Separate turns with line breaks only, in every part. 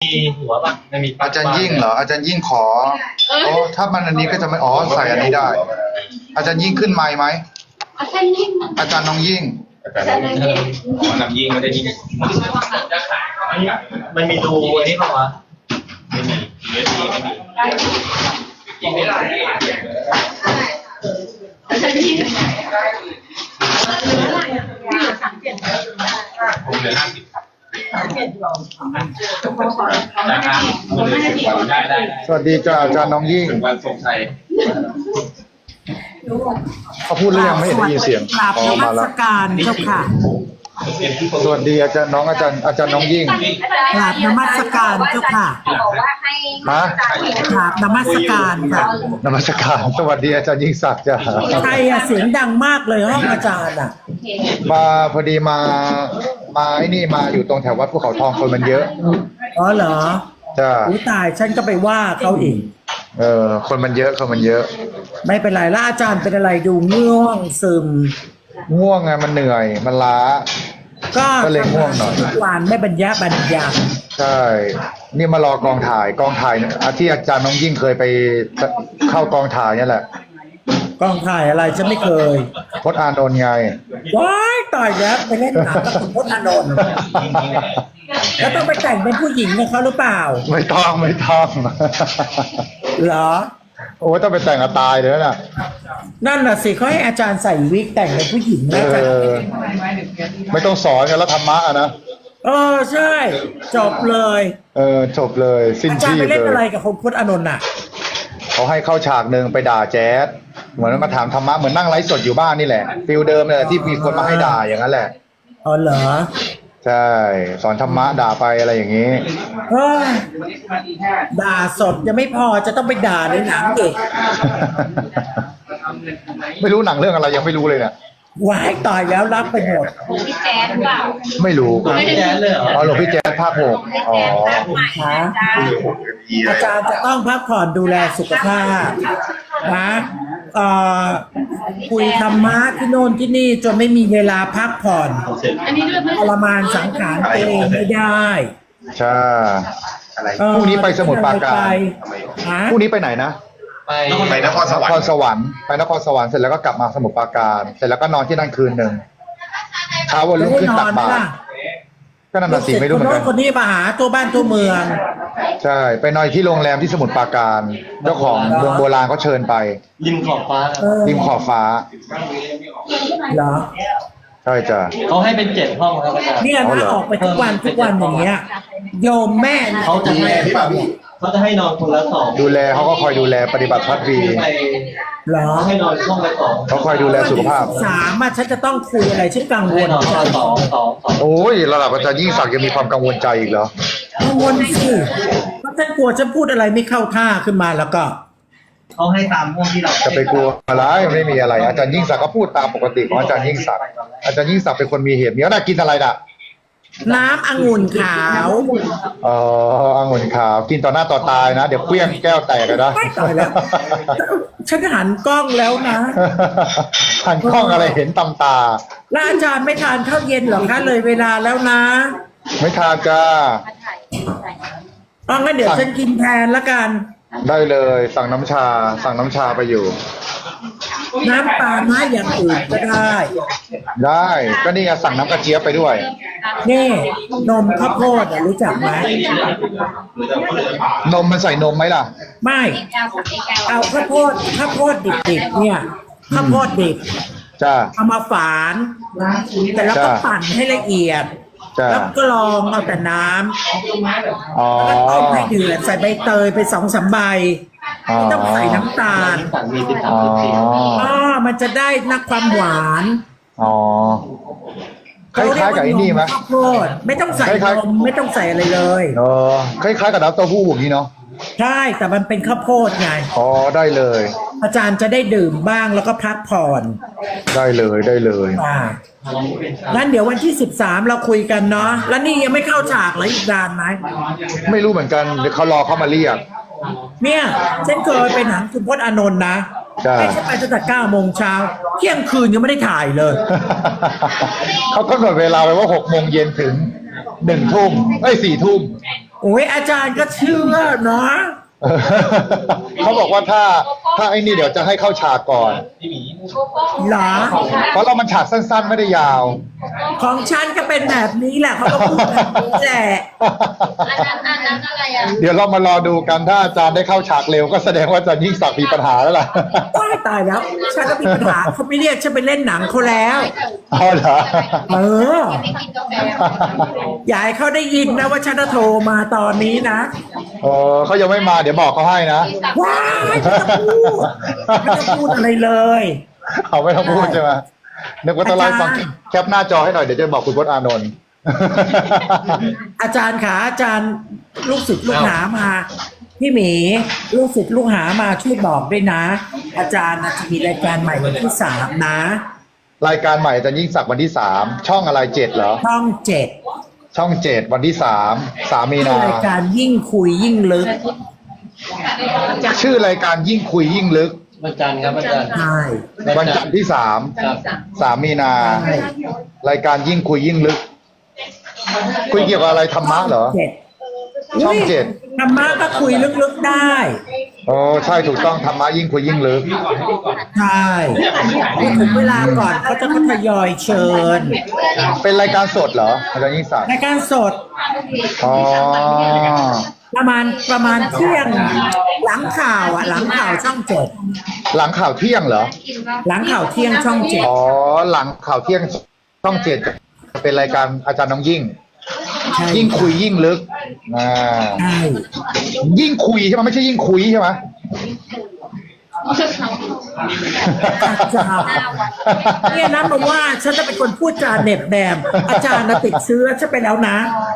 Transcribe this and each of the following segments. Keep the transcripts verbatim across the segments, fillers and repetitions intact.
มีหัวป่ะไม่มี
อาจารย์ยิ่งเหรออาจารย์ยิ่งขออ๋อถ้ามันอันนี้ก็จะไม่อ๋อใส่อันนี้ได้ อาจารย์ยิ่งขึ้นไมค์ไหมอาจารย์ยิ่งอาจารย์น้องยิ่ง
อาจารย์อ๋อนำยิ่งไม่ได้ยิ่งมันมีรูอันนี้ป่าวะไม่มีเยอะดีไม่มียิ่งไม่ได้อาจารย์ยิ่งผมเหลือห้าสิบ
สวัสดีจ้าอาจารย์น้องยิ่ง
วันทรงชัย
เขาพูดเรื่องไม่เห็นได้ยินเสียง
อ๋อมาแล้วการเจ้าค่ะ
สวัสดีอาจารย์น้องอาจารย์อาจารย์น้องยิ่ง
กราบนมัสการเจ้าค่ะ
ฮะ
กราบนมัสการค่ะ
นมัสการสวัสดีอาจารย์ยิ่งศักดิ์จ้า
ใครอะเสียงดังมากเลยห้องอาจารย์อะ
มาพอดีมามาไอ้นี่มาอยู่ตรงแถววัดภูเขาทองคนมันเยอะ
อ๋อเหรอ
จ้า
อุ้ยตายฉันก็ไปว่าเขาอีก
เออคนมันเยอะคนมันเยอะ
ไม่เป็นไรแล้วอาจารย์เป็นอะไรดูง่วงซึม
ง่วงไงมันเหนื่อยมันล้าก็เลยง่วงหน่อย
ทุกวันไม่บรรยะบรรยา
ใช่นี่มารอกองถ่ายกองถ่ายที่อาจารย์น้องยิ่งเคยไปเข้ากองถ่ายนี่แหละ
กองถ่ายอะไรฉันไม่เคย
พจน์อานนท์ไง
ว้ายตายแล้วไปเล่นหนังกับคุณพจน์อานนท์แล้วต้องไปแต่งเป็นผู้หญิงกับเขาหรือเปล่า
ไม่ต้องไม่ต้อง
เหรอ
โอ้ต้องไปแต่งกับตายเลยน่ะ
นั่นน่ะสิเขาให้อาจารย์ใส่วิกแต่งเป็นผู้หญิงนะจ๊ะ
ไม่ต้องสอนกันแล้วธรรมะนะ
เออใช่จบเลย
เออจบเลยสิ้นชีพเลยอาจารย์
ไปเล่นอะไรกับคุณพจน์อานนท์น่ะ
เขาให้เข้าฉากหนึ่งไปด่าแจ๊สเหมือนมาถามธรรมะเหมือนนั่งไลฟ์สดอยู่บ้านนี่แหละฟิลเดิมเลยที่มีคนมาให้ด่าอย่างนั้นแหละ
อ๋อเหรอ
ใช่สอนธรรมะด่าไปอะไรอย่างนี้
เฮ้ยด่าสดยังไม่พอจะต้องไปด่าในหนังอีก
ไม่รู้หนังเรื่องอะไรยังไม่รู้เลยเนี่ย
ว้ายตายแล้วรับไปหมด
พี่แจ๊ดเปล่า
ไม่รู้
พี่แจ๊ดเลยเหรอ
อ๋อหลวงพี่แจ๊ดภาคหกอ๋อ
คะอาจารย์จะต้องพักผ่อนดูแลสุขภาพนะเอ่อคุยธรรมะที่โน่นที่นี่จนไม่มีเวลาพักผ่อนทรมานสังขารตัวเองไม่ได้
ใช่พรุ่งนี้ไปสมุทรปราการพรุ่งนี้ไปไหนนะ
ไป
ไปนครสวรรค์นครสวรรค์ไปนครสวรรค์เสร็จแล้วก็กลับมาสมุทรปราการเสร็จแล้วก็นอนที่นั่นคืนหนึ่งเช้าวันรุ่งขึ้นตักบาตรก็นั่นน่ะสิไม่รู้เหมือนกัน
คนนี้มาหาตัวบ้านตัวเมือง
ใช่ไปนอนที่โรงแรมที่สมุทรปราการเจ้าของเมืองโบราณเขาเชิญไป
ริมขอบฟ้า
ริมขอบฟ้า
เหรอ
ใช่จ้ะ
เขาให้เป็นเจ็ดห้องครับอาจารย์
เนี่ยถ้าออกไปทุกวันทุกวันอย่างเงี้ยโยมแม่
เขาจะให้เขาจะให้นอนคนละสอง
ดูแลเขาก็คอยดูแลปฏิบัติพัฒวี
เหรอ
ให้นอนห้องละสอง
เขาคอยดูแลสุขภาพ
สามอ่ะฉันจะต้องคุยอะไรฉันกังวล
นอนสองสอง
โอ้ยระดับอาจารย์ยิ่งศักดิ์ยังมีความกังวลใจอีกเหรอ
กังวลสิเพราะฉันกลัวฉันพูดอะไรไม่เข้าท่าขึ้นมาแล้วก็
เขาให้ตามห้องที่เรา
จะไปกลัวอะไรไม่มีอะไรอาจารย์ยิ่งศักดิ์ก็พูดตามปกติของอาจารย์ยิ่งศักดิ์อาจารย์ยิ่งศักดิ์เป็นคนมีเหตุมีอะไรกินอะไรน่ะ
น้ำองุ่นขาว
อ๋อองุ่นขาวกินต่อหน้าต่อตายนะเดี๋ยวเปี้ยงแก้วแตกเลยนะ
ไม่ต่อยแล้วฉันหันกล้องแล้วนะ
หันกล้องอะไรเห็นตำตา
แล้วอาจารย์ไม่ทานข้าวเย็นหรอคะเลยเวลาแล้วนะ
ไม่ทานจ้า
อ๋องั้นเดี๋ยวฉันกินแทนละกัน
ได้เลยสั่งน้ำชาสั่งน้ำชาไปอยู่
น้ำปลาไม้อย่างอื่นก็ได้
ได้ก็นี่ไงสั่งน้ำกระเจี๊ยบไปด้วย
นี่นมข้าวโพดรู้จักไหม
นมมันใส่นมไหมล่ะ
ไม่เอาข้าวโพดข้าวโพดดิบๆเนี่ยข้าวโพดดิบ
จ้า
เอามาฝานแต่แล้วก็ปั่นให้ละเอียดแล้วก็ลองเอาแต่น้ำแล้วก็ต้มให้เดือดใส่ใบเตยไปสองสามใบไม่ต้องใส่น้ำตาลอ๋อมันจะได้นักความหวาน
อ๋อคล้ายๆกับไอ้นี่ไหม
ข้าวโพดไม่ต้องใส่นมไม่ต้องใส่อะไรเลย
เออคล้ายๆกับน้ำเต้าหู้อย่างนี้เนาะ
ใช่แต่มันเป็นข้าวโพดไง
อ๋อได้เลย
อาจารย์จะได้ดื่มบ้างแล้วก็พักผ่อน
ได้เลยได้เลย
อ่างั้นเดี๋ยววันที่สิบสามเราคุยกันเนาะแล้วนี่ยังไม่เข้าฉากเลยอีกนานไหม
ไม่รู้เหมือนกันเดี๋ยวเขารอเขามาเรียก
เนี่ยฉันเคยไปหนังคุณพจน์อานนท์นะไม่ใช่ไปตั้งแต่เก้าโมงเช้าเที่ยงคืนยังไม่ได้ถ่ายเลย
เขากำหนดเวลาไว้ว่าหกโมงเย็นถึงหนึ่งทุ่มไอ้สี่ทุ่ม
โอ้ยอาจารย์ก็เชื่อเนาะ
เขาบอกว่าถ้าถ้าไอ้นี่เดี๋ยวจะให้เข้าฉากก่อน
พี่หมี
เหรอ
เพราะเรามันฉากสั้นๆไม่ได้ยาว
ของฉันก็เป็นแบบนี้แหละเขาก็พูดแบบนี้แหละ
อันนั้นอันนั้นอะไรอ่ะ
เดี๋ยวเรามารอดูกันถ้าอาจารย์ได้เข้าฉากเร็วก็แสดงว่าอาจารย์ยิ่งศักดิ์มีปัญหาแล้วล่ะ
ว้ายตายแล้ว ฉันก็มีปัญหาเขาไม่เรียกฉันไปเล่นหนังเขาแล้ว
เอาเหรอ
เออ
ไม่กินกาแฟ
อย่าให้เขาได้ยินนะว่าฉันจะโทรมาตอนนี้นะ
เออเขายังไม่มาเดี๋ยวบอกเขาให้นะ
ว้ายไม่ต้องพูดไม่ต้องพูดอะไรเลย
เขาไม่ต้องพูดใช่ไหมนึกว่าต้องไลฟ์ฟังแคปหน้าจอให้หน่อยเดี๋ยวจะบอกคุณพจน์อานนท์
อาจารย์ขาอาจารย์ลูกศิษย์ลูกหามาพี่หมีลูกศิษย์ลูกหามาช่วยบอกด้วยนะ อาจารย์จะมีรายการใหม่วันที่สามนะ
รายการใหม่อาจารย์ยิ่งศักดิ์วันที่สามช่องอะไรเจ็ดเหรอ
ช่องเจ็ด
ช่องเจ็ดวันที่สามสามมีนา
รายการยิ่งคุยยิ่งลึก
ชื่อรายการยิ่งคุยยิ่งลึก
วันจันทร์ครับวันจันทร์
ใช่
วันจันทร์ที่สาม
ครับ
สามมีนา
ใช่
รายการยิ่งคุยยิ่งลึก คุยเกี่ยวกับอะไรธรรมะเหรอ
เจ็ด
ช่องเจ็ด
ธรรมะก็คุยลึกๆได้
โอ้ใช่ถูกต้องธรรมะยิ่งคุยยิ่งลึก
ใช่พอถึงเวลาก่อนเขาจะทยอยเชิญ
เป็นรายการสดเหรออาจารย์ยิ่งศักดิ์
รายการสด
อ๋อ
ประมาณประมาณเที่ยงหลังข่าวอ่ะหลังข่าวช่องเจ็ด
หลังข่าวเที่ยงเหรอ
หลังข่าวเที่ยงช่องเจ็ด
อ๋อหลังข่าวเที่ยงช่องเจ็ดเป็นรายการอาจารย์น้องยิ่ง
ใช่
ยิ่งคุยยิ่งลึกอ่า
ใช่
ยิ่งคุยใช่ไหมไม่ใช่ยิ่งคุยใช่ไหม
อาจารย์เนี่ยนะมาว่าฉันจะเป็นคนพูดจาเหน็บแนมอาจารย์นะติดเชื้อฉันไปแล้วนะ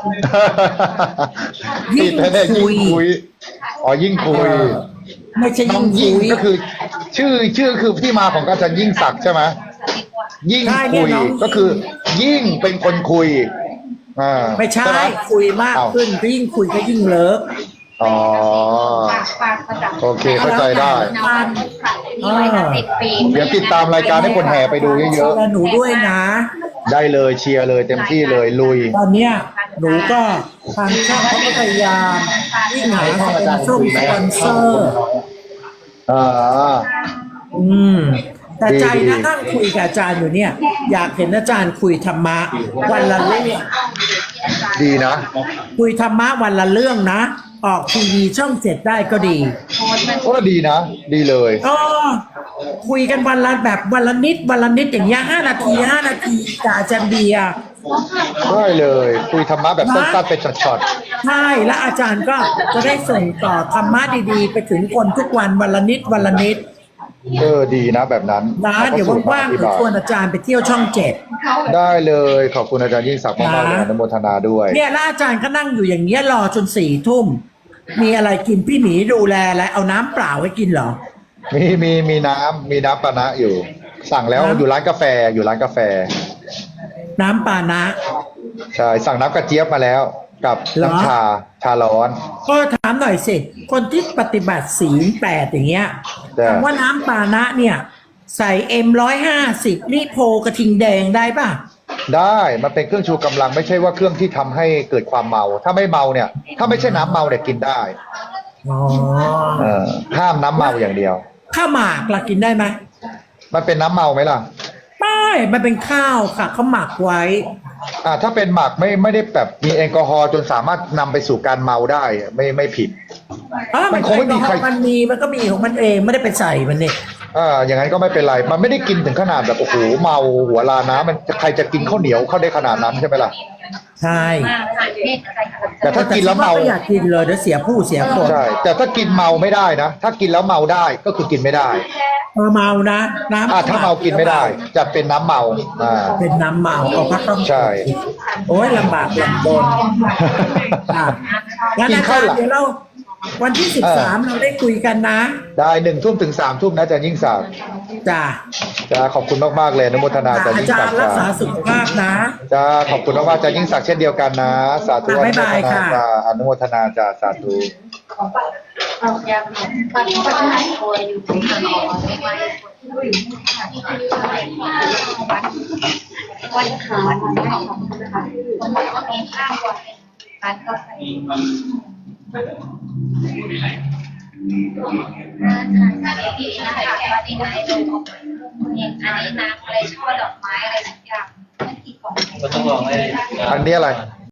ยิ่
ติ
ง
ดแน่ๆ
คุ
ยิ่ง
ย
คุยอ๋อยิ่งคุย
ไม่ใช่
น้อ
ยิ่
ง
ง
ยิ่ง
คุย
ก็คือ ชื่อชื่อคือที่มาของอาจารย์ยิ่งศักดิ์ใช่ไหมยิ่ง
ใช่เนี่
คุ
ย
ย
น้อง
ก็คือ ยิ่งเป็นคนคุยอ่า
ไม่ใช่
ห
คุยมาก
เอ้
ขึ้นก็ยิ่งคุยก็ยิ่งเลิฟ
อ๋อ
ปากประจับ
โอเคเข้าใจได้
น้ำนี่ไว้นะติดปีก
เดี๋ยวติดตามรายการให้คนแห่ไปดูเยอะ
เชีร์หนูด้วยนะ
ๆได้เลยเชียร์เลยเต็มที่เลยลุย
ตอนเนี้ยหนูก็ทางช่องเขาก็พยายามวิ่งหาสปอนเซอร์สปอนเซอร์
อ่า
อืม แต่ใจ
ดี
นะ
ดี
นั่งคุยกับอาจารย์อยู่เนี่ย อยากเห็นอาจารย์คุยธรรมะวันละเรื่อง
ดีนะ
คุยธรรมะวันละเรื่องนะ ออกทีวีช่องเจ็ดได้ก็ดี
โอ้ดีนะ ดีเลย
อ๋อคุยกันวันละแบบวันละนิดวันละนิดอย่างเงี้ยห้านาทีห้านาทีกับอาจารย์เบียร์
ได้เลย คุยธรรมะแบบสั้นๆเป็นช็อต
ใช่แล้วอาจารย์ก็จะได้ส่งต่อธรรมะดีๆ ไปถึงคนทุกวันวันละนิดวันละนิด
ๆเออดีนะแบบนั้น
นะเดี๋ยวว่างๆ
อธิ
เดี๋ยว
บาย
ชวนอาจารย์ไปเที่ยวช่องเจ็ด
ได้เลยขอบคุณอาจารย์ยิ่งศักดิ์มากๆเลย
นะ
อนุโมทนาด้วย
เนี่ยแล้วอาจารย์ก็นั่งอยู่อย่างเงี้ยรอจนสี่ทุ่มมีอะไรกินพี่หมีดูแลแล้วเอาน้ำเปล่าไว้กินเหรอ
มีมีมีน้ำมีน้ำปานะอยู่ สั่งแล้ว
น้ำ
อยู่ร้านกาแฟอยู่ร้านกาแฟ
น้ำปานะ
ใช่สั่งน้ำกระเจี๊ยบมาแล้ว กับ
เหรอ
น้ำชาชาร้อน
ก็ถามหน่อยสิคนที่ปฏิบัติศีลแปดอย่างเงี้ย
แต่
คำว่าน้ำปานะเนี่ย ใส่เอ็มร้อยห้าสิบนี่โพกระทิงแดงได้ป่ะ
ได้มันเป็นเครื่องชูกำลังไม่ใช่ว่าเครื่องที่ทำให้เกิดความเมา ถ้าไม่เมาเนี่ย ถ้าไม่ใช่น้ำเมาเนี่ยกินได้
อ๋อ
เออห้ามน้ำเมาอย่างเดียว
ข้าวหมากล่ะกินได้ไหม
มันเป็นน้ำเมาไหมล่ะ
ไม่มันเป็นข้าวค่ะเขาหมักไว้
อ่าถ้าเป็นหมักไม่ไม่ได้แบบมีแอลกอฮอล์จนสามารถนำไปสู่การเมาได้ไม่ไม่ผิด
อ่ะ
มันคงไม่มีใคร
มันมีมันก็มีของมันเองไม่ได้ไปใส่มันเนี่ย
อ่าอย่างนั้นก็ไม่เป็นไร มันไม่ได้กินถึงขนาดแบบโอ้โหเมาหัวลาน้ำมันใครจะกินข้าวเหนียวเข้าได้ขนาดนั้นใช่ไหมล่ะ
ใช่
แต่ถ้ากินแล้วเมา
ก็อยากกินเลยเดี๋ยวเสียผู้เสียคน
ใช่ แต่ถ้ากินเมาไม่ได้นะ ถ้ากินแล้วเมาได้ก็คือกินไม่ได้
เออเมานะน้ำ
อ่าถ้าเมากินไม่ได้ จะเป็นน้ำเมาอ่า
เป็นน้ำเมาเอาพักต้อง
ใช่
โอ้ยลำบากลำบนอ่ะงั้น
กิน
อา
ข้า
จาว ร
หลั
ย์
ง
เดี๋ยวเราวันที่สิบสามเราได้คุยกันนะ
ได้หนึ่งทุ่มถึงสามทุ่มนะอาจารย์ยิ่งศักดิ์
จ้ะ
จะขอบคุณมากๆเลยอนุโมทนาอาจารย์
อา
ยิ่ง
จา
ศั
ร
ก
ย์
ดิ์
รักษา
จ้า
สุขภาพนะ
จ้าขอบคุณมากๆอาจารย์ยิ่งศักดิ์เช่นเดียวกันนะ สาธุอ
บ๊าย
นุโม
บาย
ทนา
ค่ะ
จ้าอนุโมทนาจ้าสาธุ
เราจะปัดปัดหายตัวอยู่ที่ทางออกไม่ไหววันขาวันนี้ของนะคะวันนี้ก็มีข้าววันร้านกาแฟร้านอาหารที่นะคะว่าดีไหมเลยเนี่ยอันนี้น้ำอะไรช่อดอกไม้อะไรสักอย่างไม่กี่กล่อง
ก็ต้องลองให้
อันนี้อะไร